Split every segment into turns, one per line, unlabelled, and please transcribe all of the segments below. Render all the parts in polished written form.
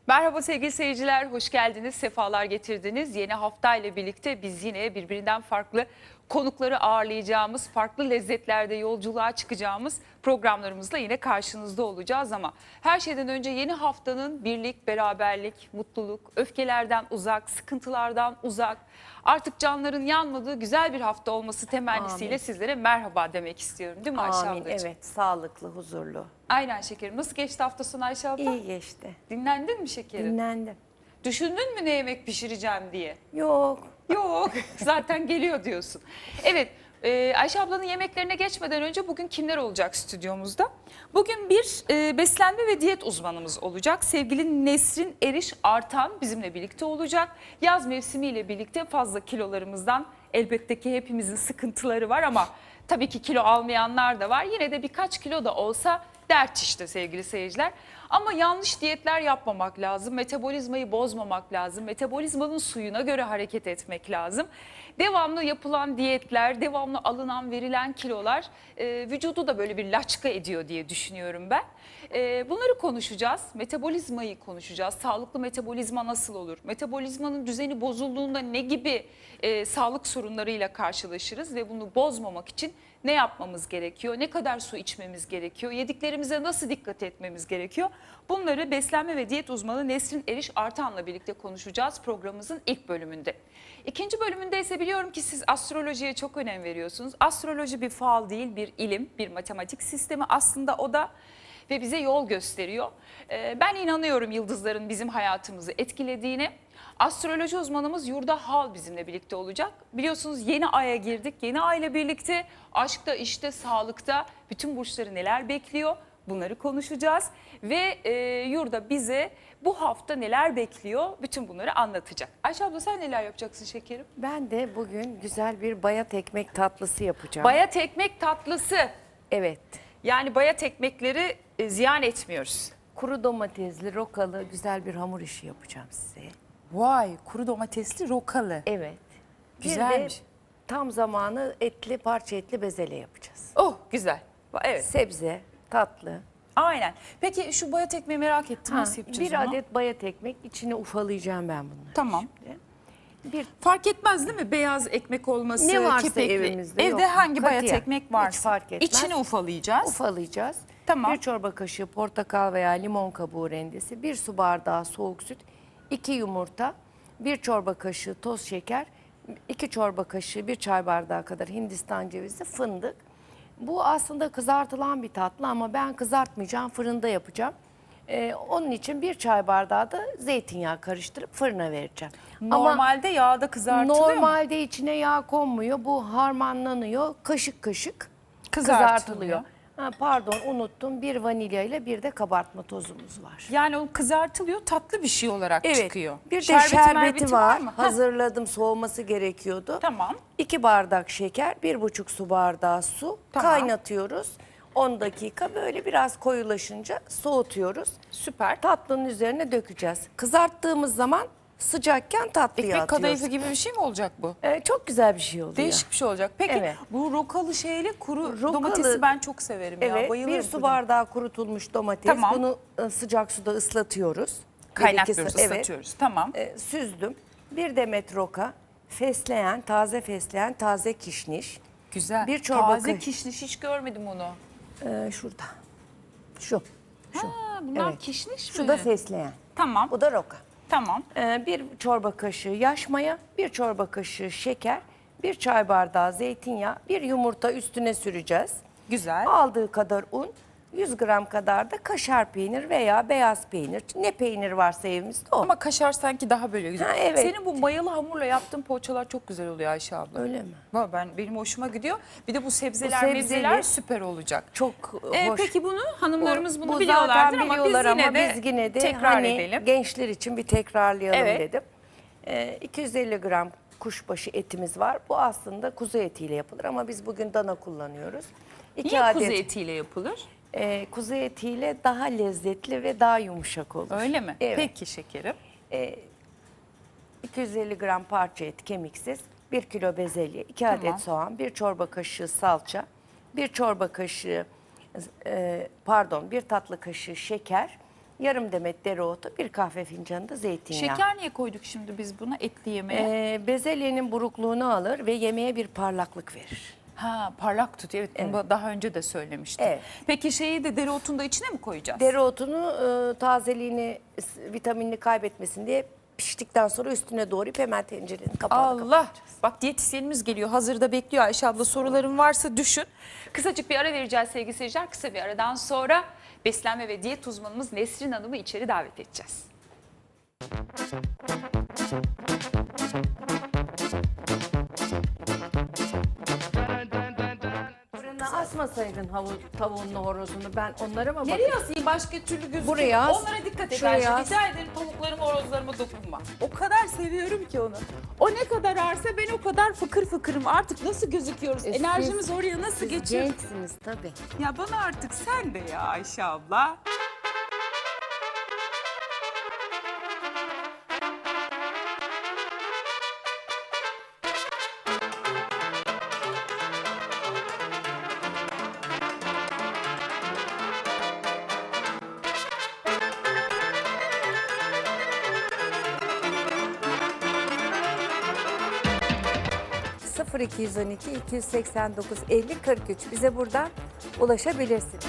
Merhaba sevgili seyirciler, hoş geldiniz, sefalar getirdiniz. Yeni hafta ile birlikte biz yine birbirinden farklı konukları ağırlayacağımız, farklı lezzetlerde yolculuğa çıkacağımız programlarımızla yine karşınızda olacağız. Ama her şeyden önce yeni haftanın birlik, beraberlik, mutluluk, öfkelerden uzak, sıkıntılardan uzak, artık canların yanmadığı güzel bir hafta olması temennisiyle sizlere merhaba demek istiyorum. Değil mi Ayşe
Amin.
ablacığım?
Evet, sağlıklı, huzurlu.
Aynen şekerim. Nasıl geçti hafta sonu Ayşe abla?
İyi geçti.
Dinlendin mi şekerim?
Dinlendim.
Düşündün mü ne yemek pişireceğim diye?
Yok.
Yok, zaten geliyor diyorsun. Evet, Ayşe ablanın yemeklerine geçmeden önce bugün kimler olacak stüdyomuzda? Bugün bir beslenme ve diyet uzmanımız olacak. Sevgili Nesrin Eriş Artan bizimle birlikte olacak. Yaz mevsimiyle birlikte fazla kilolarımızdan elbette ki hepimizin sıkıntıları var ama tabii ki kilo almayanlar da var. Yine de birkaç kilo da olsa dert işte sevgili seyirciler. Ama yanlış diyetler yapmamak lazım. Metabolizmayı bozmamak lazım. Metabolizmanın suyuna göre hareket etmek lazım. Devamlı yapılan diyetler, devamlı alınan verilen kilolar vücudu da böyle bir laçka ediyor diye düşünüyorum ben. Bunları konuşacağız. Metabolizmayı konuşacağız. Sağlıklı metabolizma nasıl olur? Metabolizmanın düzeni bozulduğunda ne gibi sağlık sorunlarıyla karşılaşırız ve bunu bozmamak için ne yapmamız gerekiyor? Ne kadar su içmemiz gerekiyor? Yediklerimize nasıl dikkat etmemiz gerekiyor? Bunları beslenme ve diyet uzmanı Nesrin Eriş Artan'la birlikte konuşacağız programımızın ilk bölümünde. İkinci bölümünde ise biliyorum ki siz astrolojiye çok önem veriyorsunuz. Astroloji bir fal değil, bir ilim, bir matematik sistemi aslında o da ve bize yol gösteriyor. Ben inanıyorum yıldızların bizim hayatımızı etkilediğine. Astroloji uzmanımız Yurda Hal bizimle birlikte olacak. Biliyorsunuz yeni aya girdik. Yeni ay ile birlikte aşkta, işte, sağlıkta bütün burçları neler bekliyor? Bunları konuşacağız. Ve Yurda bize bu hafta neler bekliyor? Bütün bunları anlatacak. Ayşe abla sen neler yapacaksın şekerim?
Ben de bugün güzel bir bayat ekmek tatlısı yapacağım.
Bayat ekmek tatlısı.
Evet.
Yani bayat ekmekleri ziyan etmiyoruz.
Kuru domatesli, rokalı güzel bir hamur işi yapacağım size.
Vay, kuru domatesli rokalı.
Evet.
Güzelmiş.
Bir de tam zamanı etli, parça etli bezelye yapacağız.
Oh, güzel. Evet.
Sebze, tatlı.
Aynen. Peki şu bayat ekmeği merak ettim. Nasıl yapacağız
Bir
onu?
adet bayat ekmek, içine ufalayacağım ben bunları.
Tamam.
Bir
Fark etmez değil mi? Beyaz ekmek olması,
Ne varsa
kepekli.
evimizde,
Evde
yok.
hangi bayat
Katiyen.
ekmek varsa.
Hiç fark etmez.
İçini ufalayacağız.
ufalayacağız.
Tamam.
Bir çorba kaşığı portakal veya limon kabuğu rendesi, bir su bardağı soğuk süt, 2 yumurta, bir çorba kaşığı toz şeker, 2 çorba kaşığı, bir çay bardağı kadar Hindistan cevizi, fındık. Bu aslında kızartılan bir tatlı ama ben kızartmayacağım, fırında yapacağım. Onun için bir çay bardağı da zeytinyağı karıştırıp fırına vereceğim.
Normalde yağda kızartılıyor mu?
Normalde içine yağ konmuyor. Bu harmanlanıyor. Kaşık kaşık
Kızartılıyor.
kızartılıyor. Pardon, unuttum. Bir vanilya ile bir de kabartma tozumuz var.
Yani o kızartılıyor, tatlı bir şey olarak
Evet.
çıkıyor.
Bir de şerbeti
merbeti
var.
mı?
Hazırladım. Soğuması gerekiyordu.
Tamam.
2 bardak şeker, 1,5 su bardağı su.
Tamam.
Kaynatıyoruz. 10 dakika böyle biraz koyulaşınca soğutuyoruz.
Süper.
Tatlının üzerine dökeceğiz. Kızarttığımız zaman sıcakken tatlıya
Ekmek
atıyoruz.
kadayıfı gibi bir şey mi olacak bu?
Çok güzel bir şey oluyor.
Değişik bir şey olacak. Peki
Evet.
bu rokalı şeyli kuru
Rokalı-
domatesi ben çok severim ya.
Evet,
Bayılırım.
bir su
buna.
bardağı kurutulmuş domates.
Tamam.
Bunu sıcak suda ıslatıyoruz.
Kaynatıyoruz,
Evet.
ıslatıyoruz. Tamam.
Süzdüm. Bir demet roka, fesleğen, taze kişniş.
Güzel.
Bir çorba
Taze
kaşığı.
kişniş hiç görmedim onu.
Şurada. Şu.
Ha, bunlar
Evet.
kişniş mi?
Şu da fesleğen.
Tamam.
Bu da roka.
Tamam.
Bir çorba kaşığı yaş maya, bir çorba kaşığı şeker, bir çay bardağı zeytinyağı, bir yumurta üstüne süreceğiz.
Güzel.
Aldığı kadar un, 100 gram kadar da kaşar peynir veya beyaz peynir. Ne peynir varsa evimizde o.
Ama kaşar sanki daha böyle güzel.
Ha, evet.
Senin bu mayalı hamurla yaptığın poğaçalar çok güzel oluyor Ayşe abla.
Öyle mi?
Benim hoşuma gidiyor. Bir de bu sebzeler,
sebzeli
mebzeler süper olacak.
Çok hoş.
Peki bunu hanımlarımız bunu
Bu
biliyorlardır
zaten
ama
biliyorlar
biz yine de tekrar
hani
edelim.
gençler için bir tekrarlayalım
Evet.
dedim. 250 gram kuşbaşı etimiz var. Bu aslında kuzu etiyle yapılır ama biz bugün dana kullanıyoruz.
Niye kuzu etiyle yapılır?
Kuzu etiyle daha lezzetli ve daha yumuşak olur.
Öyle mi?
Evet.
Peki şekerim.
250 gram parça et kemiksiz, 1 kilo bezelye, 2
Tamam.
adet soğan, 1 çorba kaşığı salça, 1 çorba kaşığı bir tatlı kaşığı şeker, yarım demet dereotu, bir kahve fincanı da zeytinyağı.
Şeker niye koyduk şimdi biz buna etli yemeğe?
Bezelyenin burukluğunu alır ve yemeğe bir parlaklık verir.
Ha, parlak tutuyor. Evet, bunu daha önce de söylemiştim.
Evet.
Peki şeyi de dereotunu da içine mi koyacağız?
Dereotunu tazeliğini, vitaminini kaybetmesin diye piştikten sonra üstüne doğrayıp hemen tencerenin kapağını
Allah. Bak diyetisyenimiz geliyor. Hazırda bekliyor Ayşe abla. Soruların varsa düşün. Kısacık bir ara vereceğiz sevgili seyirciler. Kısa bir aradan sonra beslenme ve diyet uzmanımız Nesrin Hanım'ı içeri davet edeceğiz.
Fırına asmasaydın tavuğunla horozunu, ben onlara mı
Nereye
bakayım?
asayım başka türlü gözüküyor?
Buraya as.
Onlara dikkat et
Şuraya
Ayşe.
as.
Rica ederim tavuklarıma, horozlarıma dokunma. O kadar seviyorum ki onu. O ne kadar ağırsa ben o kadar fıkır fıkırım. Artık nasıl gözüküyoruz? Enerjimiz oraya nasıl
Siz
geçiyor?
gençsiniz tabii.
Ya bana artık sen de ya Ayşe abla.
...0212 289 50 43 bize buradan ulaşabilirsiniz.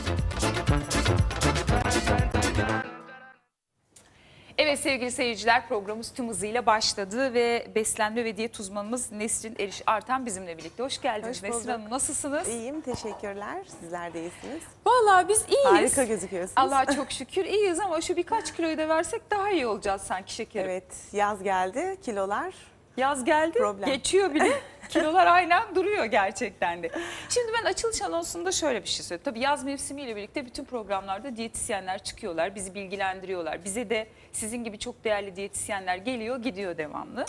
Evet sevgili seyirciler, programımız tüm hızıyla başladı ve beslenme ve diyet uzmanımız Nesrin Eriş Artan bizimle birlikte. Hoş geldiniz
Hoş
Nesrin
bulduk.
Hanım, nasılsınız?
İyiyim, teşekkürler. Sizler de iyisiniz.
Vallahi biz iyiyiz.
Harika gözüküyorsunuz.
Allah'a çok şükür iyiyiz ama şu birkaç kiloyu da versek daha iyi olacağız sanki şekerim.
Evet, yaz geldi, kilolar.
Yaz geldi,
Problem.
geçiyor bile. Kilolar aynen duruyor gerçekten de. Şimdi ben açılış anonsunda şöyle bir şey söyleyeyim. Tabii yaz mevsimiyle birlikte bütün programlarda diyetisyenler çıkıyorlar, bizi bilgilendiriyorlar. Bize de sizin gibi çok değerli diyetisyenler geliyor, gidiyor devamlı.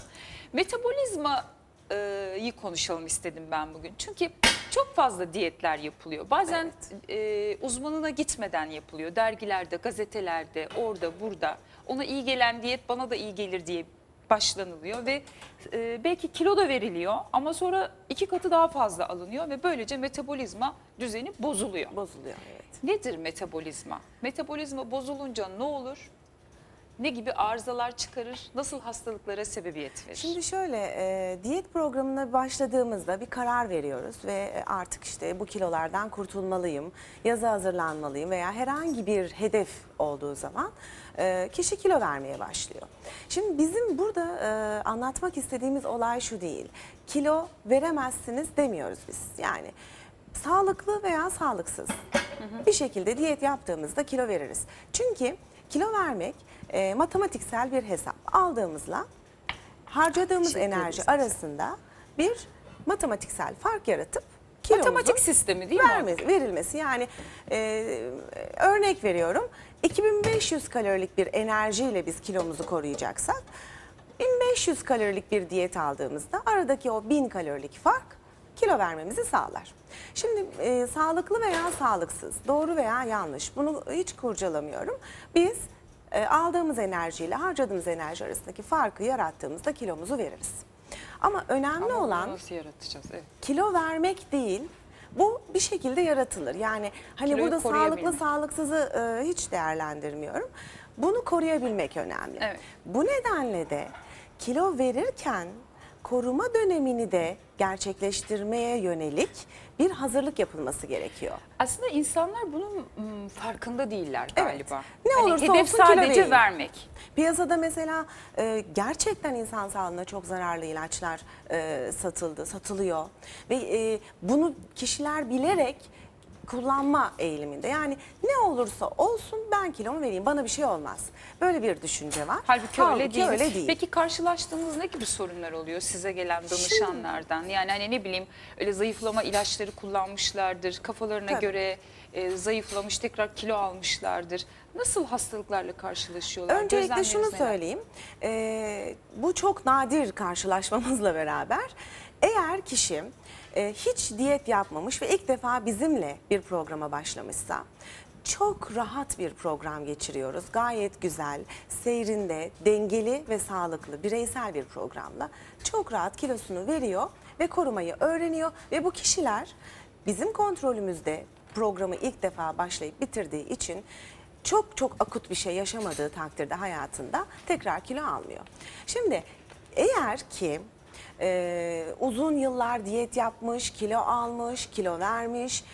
Metabolizmayı konuşalım istedim ben bugün. Çünkü çok fazla diyetler yapılıyor. Bazen uzmanına gitmeden yapılıyor. Dergilerde, gazetelerde, orada, burada. Ona iyi gelen diyet bana da iyi gelir diye başlanılıyor ve belki kilo da veriliyor ama sonra 2 katı daha fazla alınıyor ve böylece metabolizma düzeni bozuluyor.
Bozuluyor, evet.
Nedir metabolizma? Metabolizma bozulunca ne olur? Ne gibi arızalar çıkarır? Nasıl hastalıklara sebebiyet verir?
Şimdi şöyle, diyet programına başladığımızda bir karar veriyoruz ve artık işte bu kilolardan kurtulmalıyım, yaza hazırlanmalıyım veya herhangi bir hedef olduğu zaman kişi kilo vermeye başlıyor. Şimdi bizim burada anlatmak istediğimiz olay şu değil, kilo veremezsiniz demiyoruz biz. Yani sağlıklı veya sağlıksız bir şekilde diyet yaptığımızda kilo veririz. Çünkü kilo vermek matematiksel bir hesap. Aldığımızla harcadığımız enerji arasında bir matematiksel fark yaratıp kilomuzun
Matematik sistemi değil mi?
verilmesi. Yani örnek veriyorum, 2500 kalorilik bir enerjiyle biz kilomuzu koruyacaksak 1500 kalorilik bir diyet aldığımızda aradaki o 1000 kalorilik fark kilo vermemizi sağlar. Şimdi sağlıklı veya sağlıksız, doğru veya yanlış, bunu hiç kurcalamıyorum. Biz aldığımız enerjiyle harcadığımız enerji arasındaki farkı yarattığımızda kilomuzu veririz. Ama önemli
Ama bunu
olan
nasıl yaratacağız? Evet.
kilo vermek değil, bu bir şekilde yaratılır. Yani hani
Kiloyu
burada
koruyabilmek.
sağlıklı sağlıksızı hiç değerlendirmiyorum. Bunu koruyabilmek önemli.
Evet.
Bu nedenle de kilo verirken koruma dönemini de gerçekleştirmeye yönelik bir hazırlık yapılması gerekiyor.
Aslında insanlar bunun farkında değiller
Evet.
galiba.
Ne
Hani
olursa
hedef
olsun kilo
sadece
verin.
vermek.
Piyasada mesela gerçekten insan sağlığına çok zararlı ilaçlar satılıyor. Ve bunu kişiler bilerek kullanma eğiliminde. Yani ne olursa olsun ben kilomu vereyim, bana bir şey olmaz. Böyle bir düşünce var.
Halbuki öyle değil.
öyle değil.
Peki karşılaştığınız ne gibi sorunlar oluyor size gelen danışanlardan? Yani hani ne bileyim öyle zayıflama ilaçları kullanmışlardır. Kafalarına
Tabii.
göre zayıflamış tekrar kilo almışlardır. Nasıl hastalıklarla karşılaşıyorlar?
Öncelikle şunu
Gözlemleriniz neler?
söyleyeyim. Bu çok nadir karşılaşmamızla beraber. Eğer kişi hiç diyet yapmamış ve ilk defa bizimle bir programa başlamışsa çok rahat bir program geçiriyoruz. Gayet güzel, seyrinde, dengeli ve sağlıklı, bireysel bir programla çok rahat kilosunu veriyor ve korumayı öğreniyor. Ve bu kişiler bizim kontrolümüzde programı ilk defa başlayıp bitirdiği için çok çok akut bir şey yaşamadığı takdirde hayatında tekrar kilo almıyor. Şimdi eğer ki uzun yıllar diyet yapmış, kilo almış, kilo vermiş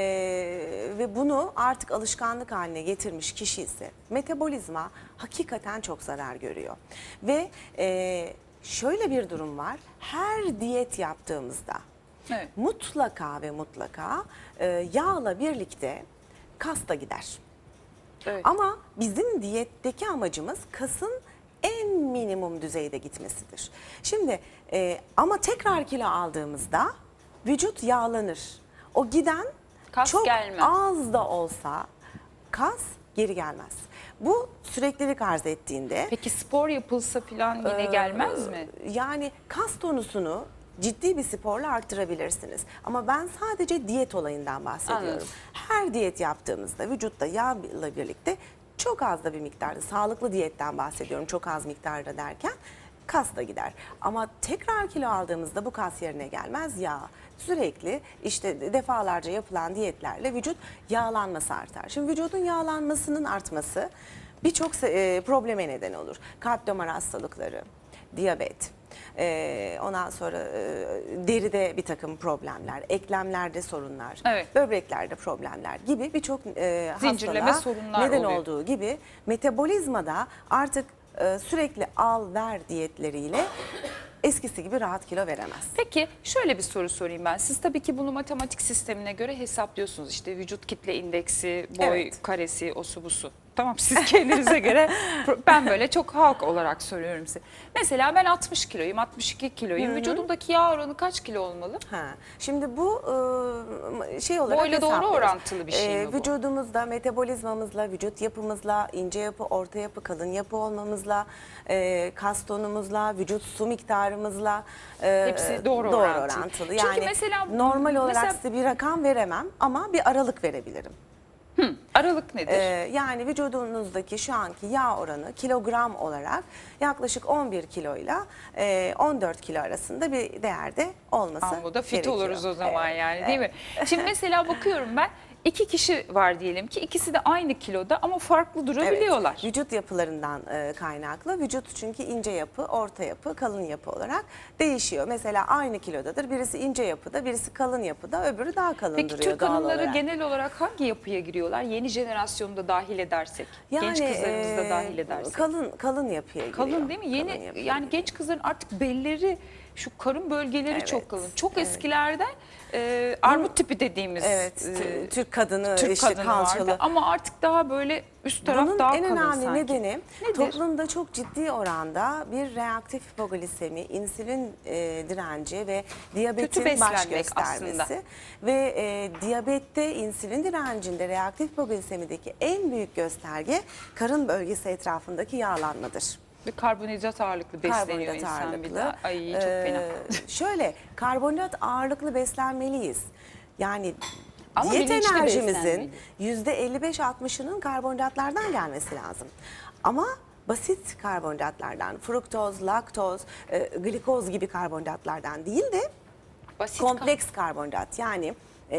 ve bunu artık alışkanlık haline getirmiş kişi ise metabolizma hakikaten çok zarar görüyor. Ve şöyle bir durum var, her diyet yaptığımızda
Evet.
mutlaka ve mutlaka yağla birlikte kas da gider.
Evet.
Ama bizim diyetteki amacımız kasın en minimum düzeyde gitmesidir. Şimdi ama tekrar kilo aldığımızda vücut yağlanır. O giden
Kas
çok
gelmez.
az da olsa kas geri gelmez. Bu süreklilik arz ettiğinde
Peki spor yapılsa falan yine gelmez mi?
yani kas tonusunu ciddi bir sporla arttırabilirsiniz. Ama ben sadece diyet olayından bahsediyorum.
Anladım.
Her diyet yaptığımızda vücutta yağla birlikte çok az da bir miktarda, sağlıklı diyetten bahsediyorum çok az miktarda derken, kas da gider. Ama tekrar kilo aldığımızda bu kas yerine gelmez, yağ. Sürekli işte defalarca yapılan diyetlerle vücut yağlanması artar. Şimdi vücudun yağlanmasının artması birçok probleme neden olur. Kalp damar hastalıkları, diyabet, ondan sonra deride bir takım problemler, eklemlerde sorunlar,
Evet.
böbreklerde problemler gibi birçok
Zincirleme
hastalığa
sorunlar
neden
oluyor.
olduğu gibi metabolizmada artık sürekli al ver diyetleriyle eskisi gibi rahat kilo veremez.
Peki şöyle bir soru sorayım ben. Siz tabii ki bunu matematik sistemine göre hesaplıyorsunuz. İşte vücut kitle indeksi, boy
Evet.
karesi, osu busu. Tamam, siz kendinize göre, ben böyle çok halk olarak soruyorum size. Mesela ben 60 kiloyum, 62 kiloyum. Vücudumdaki yağ oranı kaç kilo olmalı?
Ha, şimdi bu şey olarak
Boyla doğru
hesaplıyoruz.
orantılı bir şey mi bu?
Vücudumuzda metabolizmamızla, vücut yapımızla, ince yapı, orta yapı, kalın yapı olmamızla, kas tonumuzla, vücut su miktarımızla
Hepsi doğru orantılı. Çünkü
Yani
mesela-
normal olarak
mesela-
size bir rakam veremem ama bir aralık verebilirim.
Aralık nedir?
Yani vücudunuzdaki şu anki yağ oranı kilogram olarak yaklaşık 11 kiloyla 14 kilo arasında bir değerde olması
Ama bu da fit
gerekiyor.
oluruz o zaman
Evet,
yani, değil mi? Şimdi mesela bakıyorum ben, 2 kişi var diyelim ki, ikisi de aynı kiloda ama farklı durabiliyorlar.
Evet, vücut yapılarından kaynaklı. Vücut çünkü ince yapı, orta yapı, kalın yapı olarak değişiyor. Mesela aynı kilodadır. Birisi ince yapıda, birisi kalın yapıda, öbürü daha kalın
Peki
duruyor
Türk
doğal
hanımları
olarak.
genel olarak hangi yapıya giriyorlar? Yeni jenerasyonu da dahil edersek, genç kızlarımızı da dahil edersek.
Kalın yapıya giriyor.
Kalın değil mi? Yeni
Kalın yapıya
yani
giriyor.
genç kızların artık belleri, şu karın bölgeleri
Evet,
çok kalın. Çok
evet.
eskilerde armut tipi dediğimiz
Evet, Türk kadını,
Türk
işte
kadını
kalçalı.
vardı. Ama artık daha böyle üst taraf
Bunun
daha
en
kalın
önemli
sanki.
nedeni
Nedir?
toplumda çok ciddi oranda bir reaktif hipoglisemi, insülin direnci ve diyabetin baş
beslenmek
göstermesi.
aslında.
Ve diyabette insülin direncinde reaktif hipoglisemideki en büyük gösterge karın bölgesi etrafındaki yağlanmadır.
Ve karbonhidrat ağırlıklı besleniyor
Karbonhidrat
insan bir
ağırlıklı.
de. Ay çok fena.
Şöyle karbonhidrat ağırlıklı beslenmeliyiz. Yani
Ama
diyet
bilinçli
enerjimizin
beslenmeli.
%55-60'ının karbonhidratlardan gelmesi lazım. Ama basit karbonhidratlardan, fruktoz, laktoz, glikoz gibi karbonhidratlardan değil de
Basit
kompleks karbonhidrat yani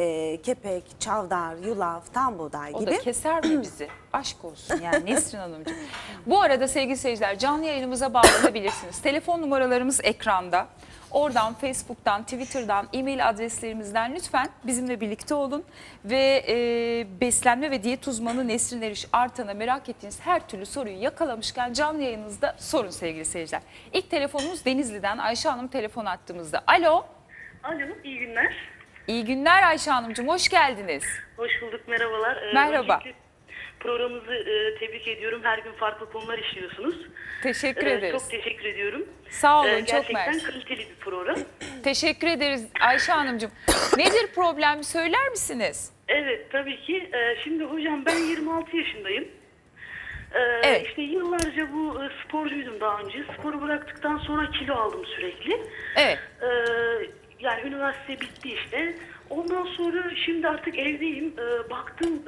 kepek, çavdar, yulaf, tam buğday
O
gibi.
da keser mi bizi? Aşk olsun yani Nesrin Hanımcığım. Bu arada sevgili seyirciler, canlı yayınımıza bağlanabilirsiniz. Telefon numaralarımız ekranda. Oradan, Facebook'tan, Twitter'dan, e-mail adreslerimizden lütfen bizimle birlikte olun. Ve beslenme ve diyet uzmanı Nesrin Eriş Artan'a merak ettiğiniz her türlü soruyu yakalamışken canlı yayınınızda sorun sevgili seyirciler. İlk telefonumuz Denizli'den, Ayşe Hanım telefon attığımızda. Alo,
Alo, iyi günler.
iyi günler Ayşe Hanımcığım, hoş geldiniz.
Hoş bulduk, merhabalar.
Merhaba.
Öncelikle programınızı tebrik ediyorum. Her gün farklı konular işliyorsunuz.
Teşekkür ederiz.
Çok teşekkür ediyorum.
Sağ olun, çok
Gerçekten
mersi.
kaliteli bir program.
Teşekkür ederiz Ayşe Hanımcığım. Nedir problem, söyler misiniz?
Evet, tabii ki. Şimdi hocam ben 26 yaşındayım.
Evet.
İşte yıllarca bu sporcuydum daha önce. Sporu bıraktıktan sonra kilo aldım sürekli.
Evet.
Yani üniversite bitti işte. Ondan sonra şimdi artık evdeyim. Baktım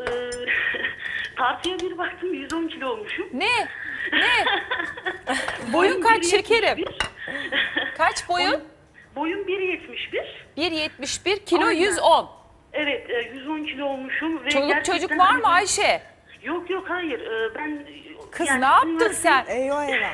tartıya bir baktım 110 kilo olmuşum.
Ne? Ne? Boyun kaç şekerim? Kaç boyun?
Boyum 1.71.
1.71, kilo
Aynen.
110.
Evet 110 kilo olmuşum. Ve
Çoluk
gerçekten
çocuk var mı
hani-
Ayşe?
Yok yok hayır. Ben
Kız
yani
ne yaptın
üniversite-
sen?
Eyvah eyvah.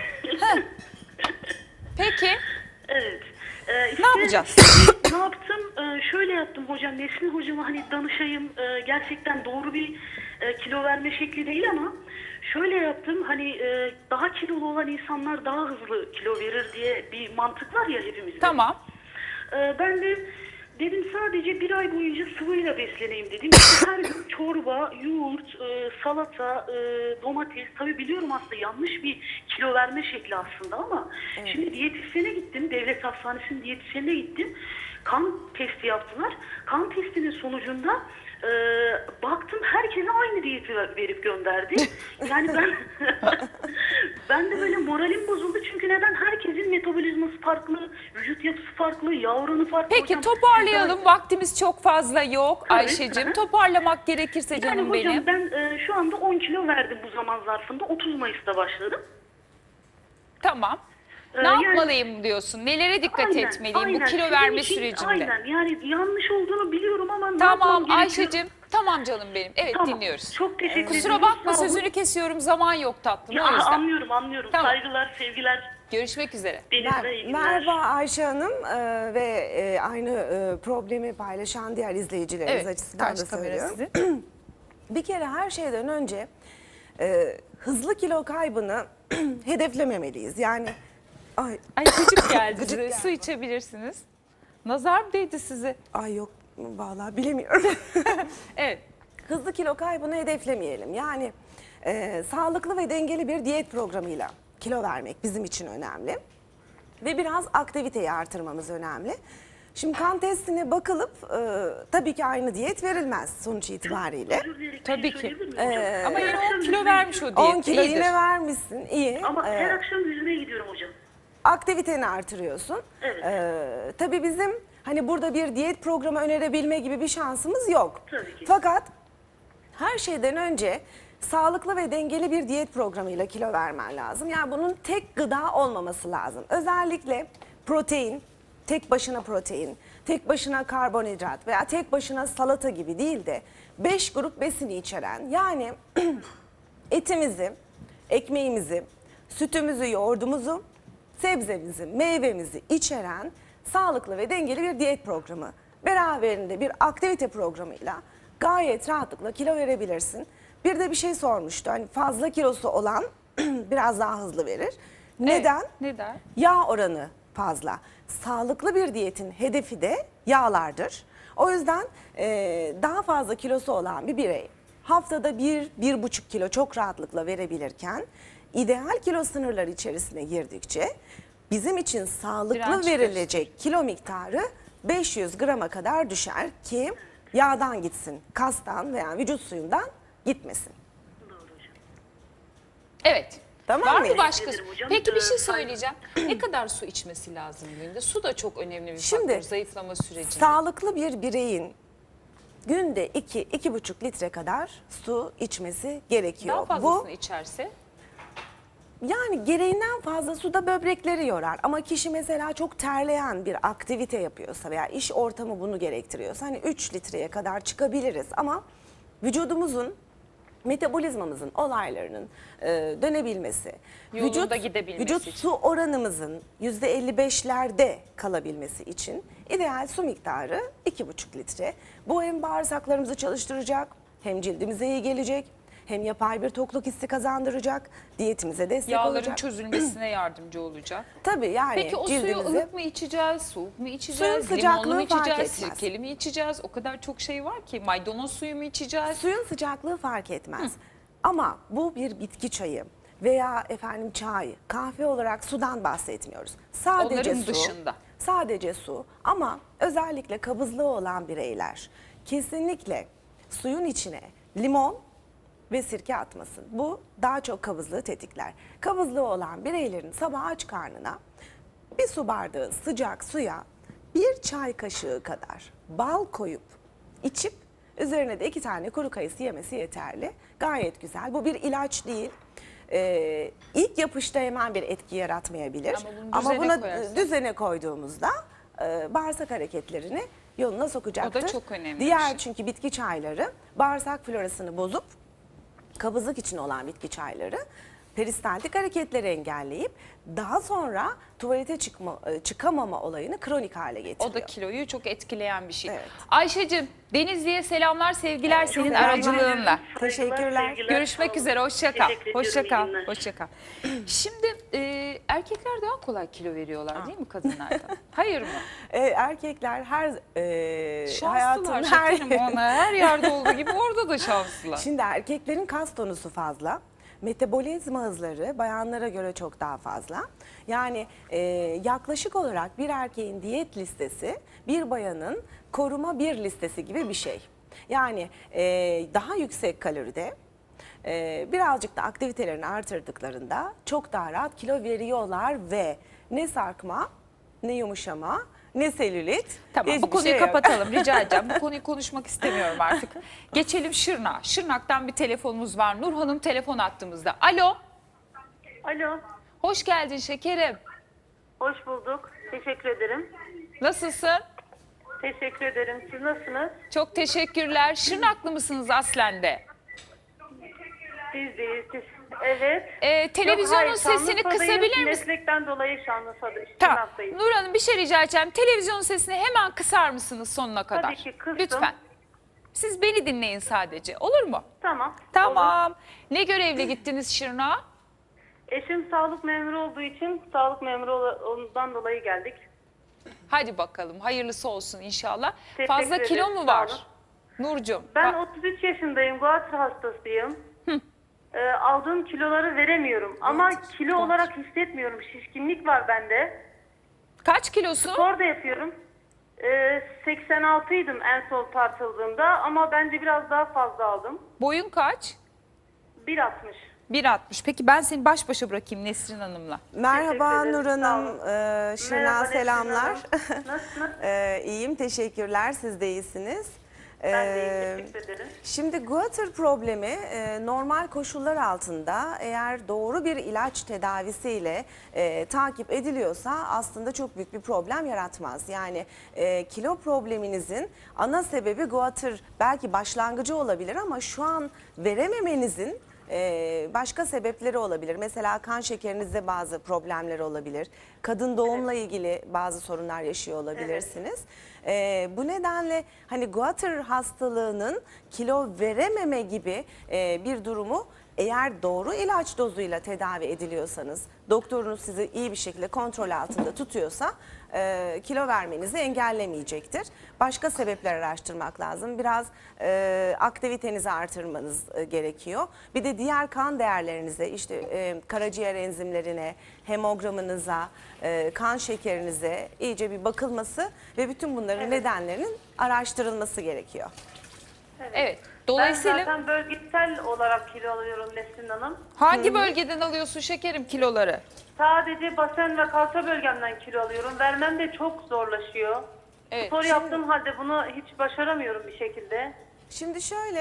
Peki
Evet.
ne yapacağız?
Ne yaptım? Şöyle yaptım hocam. Nesrin hocama hani danışayım. Gerçekten doğru bir kilo verme şekli değil ama şöyle yaptım. Hani daha kilolu olan insanlar daha hızlı kilo verir diye bir mantık var ya hepimizde.
Tamam.
Ben de dedim sadece bir ay boyunca sıvıyla besleneyim dedim. İşte her gün çorba, yoğurt, salata, domates. Tabii biliyorum aslında yanlış bir kilo verme şekli aslında ama şimdi diyetisyene gittim. Devlet Hastanesi'nin diyetisyenine gittim. Kan testi yaptılar. Kan testinin sonucunda baktım herkese aynı diyeti verip gönderdi. Yani ben de böyle moralim bozuldu çünkü neden? Herkesin metabolizması farklı, vücut yapısı farklı, yağ oranı farklı.
Peki
Hocam,
toparlayalım. Vaktimiz çok fazla yok
Tabii.
Ayşe'cim. Toparlamak gerekirse
Yani
canım
hocam
benim.
ben şu anda 10 kilo verdim bu zaman zarfında. 30 Mayıs'ta başladım.
Tamam. Ne
yani-
yapmalıyım diyorsun? Nelere dikkat etmeliyim bu kilo
Sizin
verme
için
sürecinde?
Aynen yani yanlış olduğunu biliyorum ama ne
Tamam
yapmam gerekiyor?
Ayşe'cim. Tamam canım benim. Evet
Tamam,
dinliyoruz.
çok teşekkür ederim.
Kusura bakma
Sağ olun.
sözünü kesiyorum. Zaman yok tatlım.
Ya,
O yüzden.
anlıyorum.
Tamam.
Saygılar, sevgiler.
Görüşmek üzere.
Deniz'e iyi günler.
Merhaba Ayşe Hanım ve aynı problemi paylaşan diğer izleyicilerimiz
Evet.
açısından da
Karşı kamera
söylüyorum.
sizin.
Bir kere her şeyden önce hızlı kilo kaybını hedeflememeliyiz. Yani
Ay gıcık geldi
Gıcık
size.
geldi.
Su içebilirsiniz. Nazar mı değdi size?
ay yok vallahi bilemiyorum.
Evet.
Hızlı kilo kaybını hedeflemeyelim. Yani sağlıklı ve dengeli bir diyet programıyla kilo vermek bizim için önemli. Ve biraz aktiviteyi artırmamız önemli. Şimdi kan testine bakılıp tabii ki aynı diyet verilmez sonuç itibariyle.
Özür dileyerek bir
Tabii
şey
ki.
söyleyebilir miyim hocam?
Ama yine
Her
10
akşam
kilo
yüzmeye
vermiş o
gidiyorum.
diyet.
10 kilo
iyidir.
yine vermişsin iyi.
Ama her akşam yüzmeye gidiyorum hocam.
Aktiviteni artırıyorsun.
Evet.
Tabii bizim hani burada bir diyet programı önerebilme gibi bir şansımız yok.
Tabii ki.
Fakat her şeyden önce sağlıklı ve dengeli bir diyet programıyla kilo vermen lazım. Yani bunun tek gıda olmaması lazım. Özellikle protein, tek başına protein, tek başına karbonhidrat veya tek başına salata gibi değil de 5 grup besini içeren yani etimizi, ekmeğimizi, sütümüzü, yoğurdumuzu, sebzemizi, meyvemizi içeren sağlıklı ve dengeli bir diyet programı. Beraberinde bir aktivite programıyla gayet rahatlıkla kilo verebilirsin. Bir de bir şey sormuştu. Hani fazla kilosu olan biraz daha hızlı verir. Neden?
Evet, neden?
Yağ oranı fazla. Sağlıklı bir diyetin hedefi de yağlardır. O yüzden daha fazla kilosu olan bir birey haftada 1-1,5 kilo çok rahatlıkla verebilirken ideal kilo sınırları içerisine girdikçe bizim için sağlıklı
Direnç
verilecek kilo miktarı 500 grama kadar düşer ki yağdan gitsin, kastan veya vücut suyundan gitmesin.
Doğru hocam.
Evet.
Tamam
Var
mı?
mı başka?
Ederim hocam.
Peki bir şey
Saygı-
söyleyeceğim. Ne kadar su içmesi lazım günde? Su da çok önemli bir
Şimdi,
faktör zayıflama sürecinde.
Sağlıklı bir bireyin günde 2-2,5 litre kadar su içmesi gerekiyor.
Daha fazlasını içerse
Yani gereğinden fazla su da böbrekleri yorar. Ama kişi mesela çok terleyen bir aktivite yapıyorsa veya iş ortamı bunu gerektiriyorsa hani 3 litreye kadar çıkabiliriz. Ama vücudumuzun, metabolizmamızın olaylarının dönebilmesi,
Yolunda gidebilmesi
vücut
için.
su oranımızın %55'lerde kalabilmesi için ideal su miktarı 2,5 litre. Bu hem bağırsaklarımızı çalıştıracak, hem cildimize iyi gelecek, hem yapay bir tokluk hissi kazandıracak, diyetimize destek
yağların
olacak.
çözülmesine yardımcı olacak.
Tabii yani
Peki o suyu
cildimize
ılık mı içeceğiz, soğuk mu içeceğiz,
Suyun sıcaklığı
limonlu mu
fark
içeceğiz,
etmez.
sirkeli mi içeceğiz? O kadar çok şey var ki. Maydanoz suyu mu içeceğiz?
suyun sıcaklığı fark etmez. Ama bu bir bitki çayı veya efendim çay, kahve olarak sudan bahsetmiyoruz. Sadece
Onların
su.
dışında.
Sadece su ama özellikle kabızlığı olan bireyler kesinlikle suyun içine limon ve sirke atmasın. Bu daha çok kabızlığı tetikler. Kabızlığı olan bireylerin sabah aç karnına bir su bardağı sıcak suya bir çay kaşığı kadar bal koyup içip üzerine de 2 tane kuru kayısı yemesi yeterli. Gayet güzel. Bu bir ilaç değil. İlk yapışta hemen bir etki yaratmayabilir.
Ama bunu düzene
buna
koyarsan.
düzene koyduğumuzda bağırsak hareketlerini yoluna sokacaktır.
O da çok önemli bir
Diğer
şey.
çünkü bitki çayları bağırsak florasını bozup kabızlık için olan bitki çayları peristaltik hareketleri engelleyip daha sonra tuvalete çıkamama olayını kronik hale getiriyor.
O da kiloyu çok etkileyen bir şey.
Evet.
Ayşe'cim, Denizli'ye selamlar, sevgiler senin
selamlar.
aracılığınla.
Teşekkürler.
sevgiler,
Görüşmek
sağ olun.
üzere, hoşça kal.
Teşekkür ediyorum,
Hoşça
iyi
kal.
günler.
Hoşça kal. Şimdi erkekler daha kolay kilo veriyorlar değil mi kadınlardan? Hayır mı?
Erkekler
Şanslılar
hayatın
şekerim, ona her yerde olduğu gibi orada da şanslılar.
Şimdi erkeklerin kas tonusu fazla. Metabolizma hızları bayanlara göre çok daha fazla. Yani yaklaşık olarak bir erkeğin diyet listesi bir bayanın koruma bir listesi gibi bir şey. Yani daha yüksek kaloride birazcık da aktivitelerini artırdıklarında çok daha rahat kilo veriyorlar ve ne sarkma, ne yumuşama, ne selülit.
Tamam,
hiçbir
bu konuyu
şey yok.
kapatalım rica edeceğim. Bu konuyu konuşmak istemiyorum artık. Geçelim Şırnak'a. Şırnak'tan bir telefonumuz var. Nur Hanım telefon attığımızda. Alo,
Alo,
hoş geldin şekerim.
hoş bulduk. Teşekkür ederim.
Nasılsın?
Teşekkür ederim. Siz nasılsınız?
Çok teşekkürler. Şırnaklı mısınız aslen de?
Biz deyiz. Evet.
Televizyonun
Yok, hayır,
sesini
Şanlıurfa'dayız.
kısabilir misin?
Meslekten dolayı Şanlıurfa'dayız.
Tamam.
Şırnak'tayız.
Nur Hanım bir şey rica edeceğim. Televizyonun sesini hemen kısar mısınız sonuna kadar?
Tabii ki, kıstım.
Lütfen. Siz beni dinleyin sadece. Olur mu?
Tamam. Olur.
Tamam. Ne görevle gittiniz Şırnak'a?
Eşim sağlık memuru olduğu için sağlık memuru ondan dolayı geldik.
Hadi bakalım. Hayırlısı olsun inşallah.
Teşekkür
Fazla kilo
ederim,
mu
sağ
var?
olun.
Nurcuğum.
Ben 33 yaşındayım. Guatr hastasıyım. Aldığım kiloları veremiyorum. Ama kilo olarak hissetmiyorum. Şişkinlik var bende.
Kaç kilosun?
Spor da yapıyorum. 86 idim en son tartıldığımda ama bence biraz daha fazla aldım.
Boyun kaç?
1.60.
1.60. Peki ben seni baş başa bırakayım Nesrin Hanım'la.
Merhaba
Teşekkür
Nur
ederim, sağ
Hanım,
olun.
Şırnak'a
Merhaba Nesrin
selamlar.
Hanım. Nasılsınız?
İyiyim, teşekkürler. Siz de iyisiniz.
Ben de iyiyim, teşekkür ederim.
Şimdi guatr problemi normal koşullar altında eğer doğru bir ilaç tedavisiyle takip ediliyorsa aslında çok büyük bir problem yaratmaz. Yani kilo probleminizin ana sebebi guatr belki başlangıcı olabilir ama şu an verememenizin başka sebepleri olabilir. Mesela kan şekerinizde bazı problemler olabilir. Kadın doğumla ilgili bazı sorunlar yaşıyor olabilirsiniz. Bu nedenle hani guatr hastalığının kilo verememe gibi bir durumu eğer doğru ilaç dozuyla tedavi ediliyorsanız, doktorunuz sizi iyi bir şekilde kontrol altında tutuyorsa kilo vermenizi engellemeyecektir. Başka sebepler araştırmak lazım. Biraz aktivitenizi artırmanız gerekiyor. Bir de diğer kan değerlerinize, işte karaciğer enzimlerine, hemogramınıza, kan şekerinize iyice bir bakılması ve bütün bunların nedenlerinin araştırılması gerekiyor.
Evet.
Ben
Dolayısıyla
zaten bölgesel olarak kilo alıyorum Nesrin Hanım.
hangi bölgeden alıyorsun şekerim kiloları?
Sadece basen ve kalça bölgemden kilo alıyorum. Vermem de çok zorlaşıyor.
Evet.
Spor yaptığım halde bunu hiç başaramıyorum bir şekilde.
Şimdi şöyle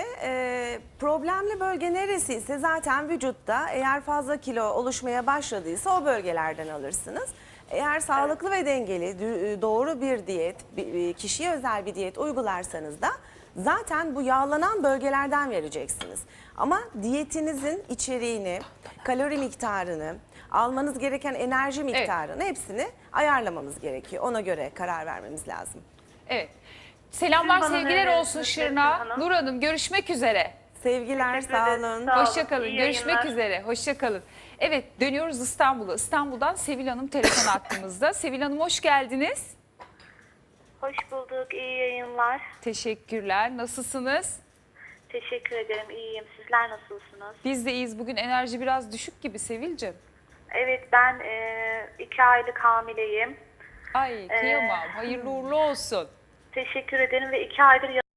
problemli bölge neresiyse zaten vücutta eğer fazla kilo oluşmaya başladıysa o bölgelerden alırsınız. Eğer sağlıklı ve dengeli doğru bir diyet, kişiye özel bir diyet uygularsanız da zaten bu yağlanan bölgelerden vereceksiniz. Ama diyetinizin içeriğini, kalori miktarını, almanız gereken enerji miktarını hepsini ayarlamamız gerekiyor. Ona göre karar vermemiz lazım.
Evet. Selamlar,
Siz bana
sevgiler
ne
olsun
verirsiniz
Şırnak'a.
Nesrin Hanım?
Nur Hanım görüşmek üzere.
Sevgiler,
Teşekkür
sağ
ederiz.
olun.
Sağ olun.
Hoşçakalın.
İyi
Görüşmek
yayınlar.
üzere. Hoşçakalın. Evet, dönüyoruz İstanbul'a. İstanbul'dan Sevil Hanım telefon attığımızda. Sevil Hanım hoş geldiniz.
Hoş bulduk, iyi yayınlar.
Teşekkürler. Nasılsınız?
Teşekkür ederim, iyiyim. Sizler nasılsınız?
Biz de iyiyiz. Bugün enerji biraz düşük gibi Sevil'cim.
Evet, ben 2 aylık hamileyim.
Ay kıyamam. Hayırlı uğurlu olsun.
Teşekkür ederim ve 2 aydır